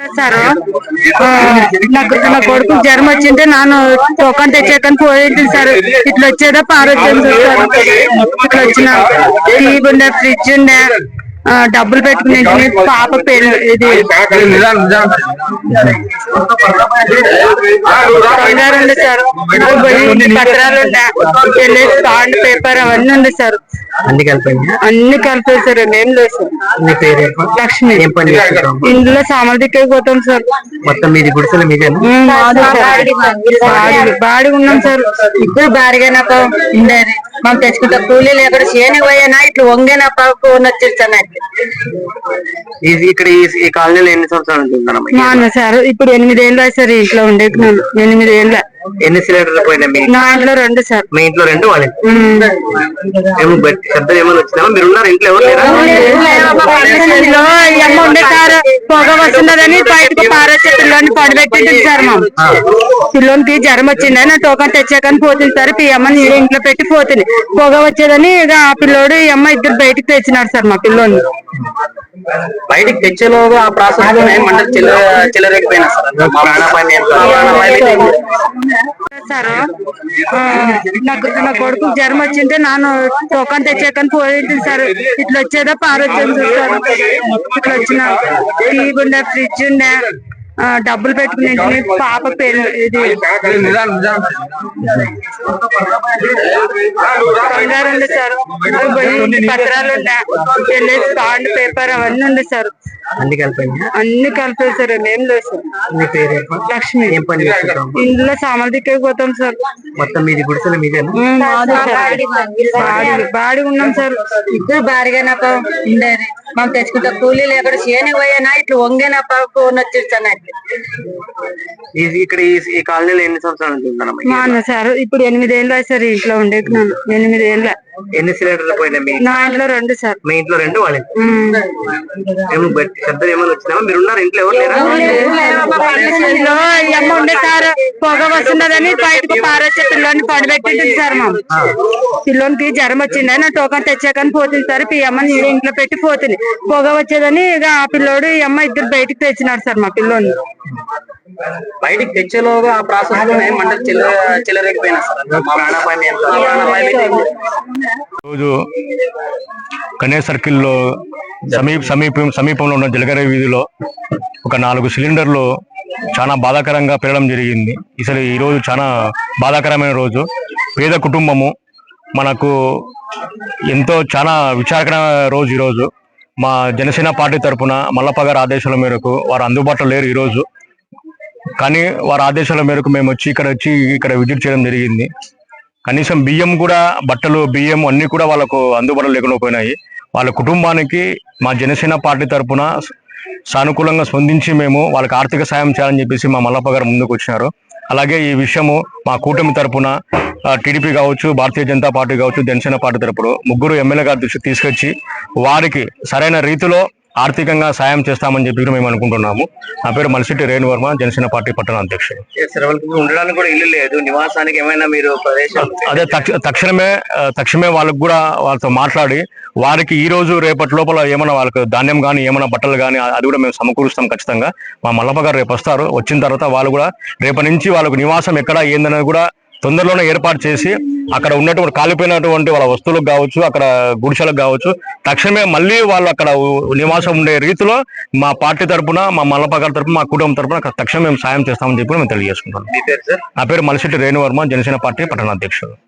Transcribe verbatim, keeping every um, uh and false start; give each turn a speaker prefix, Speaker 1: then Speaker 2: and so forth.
Speaker 1: Sir నాకు నా కొడుకు జ్వరం వచ్చింటే నాన్న టోకన్ తెచ్చాకని పోయింది సార్. ఇట్లా వచ్చేదా పారొచ్చింది సార్. ఇట్లా వచ్చిన టీవీ ఉండే, ఫ్రిడ్జ్ ఉండే, డబ్బులు పెట్టుకుని పాప పెళ్లి ఇది బంగారు ఉండే సార్, పత్రాలు ఉండే, పెళ్లి బాండ్ పేపర్ అవన్నీ ఉంది సార్.
Speaker 2: అన్ని కలిపి
Speaker 1: అన్ని కలిపారు సార్. ఏం లేదు సార్.
Speaker 2: మీ పేరు
Speaker 1: లక్ష్మి.
Speaker 2: ఏం పని చేస్తారు?
Speaker 1: ఇందులో సామాన్ దిక్కకి పోతాం సార్.
Speaker 2: మొత్తం మీది గుడిసెలు మీదే?
Speaker 1: బాడి ఉన్నాం సార్.
Speaker 3: ఇప్పుడు బాడిగా నాకు ఉండేది మనం తెచ్చుకుంటా కూలీ లేకుండా చేయని పోయానా ఇట్లా వంగేనా ఫోన్ వచ్చేస్తాను.
Speaker 2: ఇక్కడ ఈ కాలనీలో ఎన్ని సంవత్సరాలు ఉంటున్నాను?
Speaker 1: మా అన్న సార్ ఇప్పుడు ఎనిమిది ఏళ్ళు సార్ ఇంట్లో ఉండేకున్నాను. ఎనిమిది ఏళ్ళ.
Speaker 2: ఎన్ని సిలిండర్లు పోయినాయి?
Speaker 1: నా ఇంట్లో రెండు సార్.
Speaker 2: మీ ఇంట్లో రెండు? వాళ్ళ శబ్దం ఏమైనా వచ్చినామా? మీరు ఉన్నారు ఇంట్లో? ఎవరు
Speaker 1: అమ్మ ఉండే సార్. పొగ వస్తున్నదని బయటకు పారేసే పిల్లని పడిపెట్టింది సార్. మా పిల్లోనికి జ్వరం వచ్చింది, నా టోకన్ తెచ్చాకని పోతుంది సార్. ఈ అమ్మని ఇంట్లో పెట్టి పోతుంది. పొగ వచ్చేదని ఇక ఆ పిల్లోడు ఈ అమ్మ ఇద్దరు బయటకు తెచ్చినారు సార్. మా పిల్లోని
Speaker 2: బయటికి తెచ్చేలోగా ఆ ప్రాసెస్ లోనే మంటలు చిల్ల చిల్లరేకపోయినా
Speaker 1: సార్. నాకు నా కొడుకు జ్వరం వచ్చింటే నాన్న టోకన్ తెచ్చాకని పోయింది సార్. ఇట్లా వచ్చేదా పారొచ్చింది సార్. ఇట్లా వచ్చిన టీవీ ఉండే, ఫ్రిడ్జ్ ఉండే, డబ్బులు పెట్టుకుని పాప పెళ్లి ఇది బంగారు ఉండే సార్, పత్రాలు ఉండే, పెళ్లి బాండ్ పేపర్ అవన్నీ ఉంది సార్.
Speaker 2: అన్ని కలిపి
Speaker 1: అన్ని కలిపారు సార్. ఏం లేదు సార్.
Speaker 2: మీ పేరు
Speaker 1: లక్ష్మి.
Speaker 2: ఏం పని చేస్తారు?
Speaker 1: ఇందులో సామాన్ దిక్కకి పోతాం సార్.
Speaker 2: మొత్తం మీది గుడిసెలు మీదే?
Speaker 1: బాడి ఉన్నాం సార్.
Speaker 3: ఇప్పుడు బాడిగా నాకు ఉండేది మనం తెచ్చుకుంటా కూలీ లేకుండా చేయని పోయానా ఇట్లా వంగేనా ఫోన్ వచ్చేస్తాను.
Speaker 2: ఇక్కడ ఈ కాలనీలో ఎన్ని సంవత్సరాలు ఉంటున్నాను?
Speaker 1: మా అన్న సార్ ఇప్పుడు ఎనిమిది ఏళ్ళు సార్ ఇంట్లో ఉండేకున్నాను. ఎనిమిది ఏళ్ళ.
Speaker 2: ఎన్ని సిలిండర్లు పోయినాయి?
Speaker 1: నా ఇంట్లో రెండు సార్.
Speaker 2: మీ ఇంట్లో రెండు? వాళ్ళ శబ్దం ఏమైనా వచ్చినామా? మీరు ఉన్నారు ఇంట్లో? ఎవరు
Speaker 1: అమ్మ ఉండే సార్. పొగ వస్తున్నదని బయటకు పారేసే పిల్లని పడిపెట్టింది సార్. మా పిల్లోనికి జ్వరం వచ్చింది, నా టోకన్ తెచ్చాకని పోతుంది సార్. ఈ అమ్మని ఇంట్లో పెట్టి పోతుంది. పొగ వచ్చేదని ఇక ఆ పిల్లోడు ఈ అమ్మ ఇద్దరు బయటకు తెచ్చినారు సార్. మా పిల్లోని
Speaker 2: బయటికి తెచ్చేలోగా ఆ ప్రాసెస్ లోనే మంటలు చిల్ల చిల్లరేకపోయినా
Speaker 4: రోజు కన్యా సర్కిల్లో సమీప సమీపం సమీపంలో ఉన్న జలగర వీధిలో ఒక నాలుగు సిలిండర్లు చాలా బాధాకరంగా పెరగడం జరిగింది. అసలు ఈరోజు చాలా బాధాకరమైన రోజు. పేద కుటుంబము, మనకు ఎంతో చాలా విచారకరమైన రోజు ఈరోజు. మా జనసేన పార్టీ తరఫున మల్లప్ప గారి ఆదేశాల మేరకు వారు అందుబాటులో లేరు ఈరోజు. కానీ వారి ఆదేశాల మేరకు మేము వచ్చి ఇక్కడ వచ్చి ఇక్కడ విజిట్ చేయడం జరిగింది. కనీసం బియ్యం కూడా, బట్టలు, బియ్యం అన్ని కూడా వాళ్ళకు అందుబాటులో లేకుండా పోయినాయి. వాళ్ళ కుటుంబానికి మా జనసేన పార్టీ తరఫున సానుకూలంగా స్పందించి మేము వాళ్ళకి ఆర్థిక సాయం చేయాలని చెప్పేసి మా మల్లప్ప గారు ముందుకు వచ్చినారు. అలాగే ఈ విషయము మా కూటమి తరఫున టీడీపీ కావచ్చు, భారతీయ జనతా పార్టీ కావచ్చు, జనసేన పార్టీ తరపున ముగ్గురు ఎమ్మెల్యే గారి దృష్టికి తీసుకొచ్చి వారికి సరైన రీతిలో ఆర్థికంగా సాయం చేస్తామని చెప్పి మేము అనుకుంటున్నాము. నా పేరు మల్సిటి రేణువర్మ, జనసేన పార్టీ పట్టణ అధ్యక్షుడు.
Speaker 2: ఉండడానికి కూడా ఇల్లు లేదు, నివాసానికి ఏమైనా మీరు ప్రదేశం?
Speaker 4: అదే తక్షణమే తక్షణమే వాళ్ళకు కూడా వాళ్ళతో మాట్లాడి వారికి ఈ రోజు రేపటి లోపల ఏమైనా వాళ్ళకి ధాన్యం కానీ ఏమైనా బట్టలు కానీ అది కూడా మేము సమకూరుస్తాం ఖచ్చితంగా. మా మల్లప్ప గారు రేపు వస్తారు. వచ్చిన తర్వాత వాళ్ళు కూడా రేపటి నుంచి వాళ్ళకు నివాసం ఎక్కడ ఏందనేది కూడా తొందరలోనే ఏర్పాటు చేసి అక్కడ ఉన్నటువంటి కాలిపోయినటువంటి వాళ్ళ వస్తువులకు కావచ్చు, అక్కడ గుడిసెలకు కావచ్చు, తక్షణమే మళ్ళీ వాళ్ళు అక్కడ నివాసం ఉండే రీతిలో మా పార్టీ తరఫున, మా మల్లప్ప గారి తరఫున, మా కుటుంబం తరఫున తక్షణం మేము సాయం చేస్తామని చెప్పి మేము తెలియజేసుకుంటాం. నా పేరు మల్సిటి రేణువర్మ, జనసేన పార్టీ పట్టణ అధ్యక్షుడు.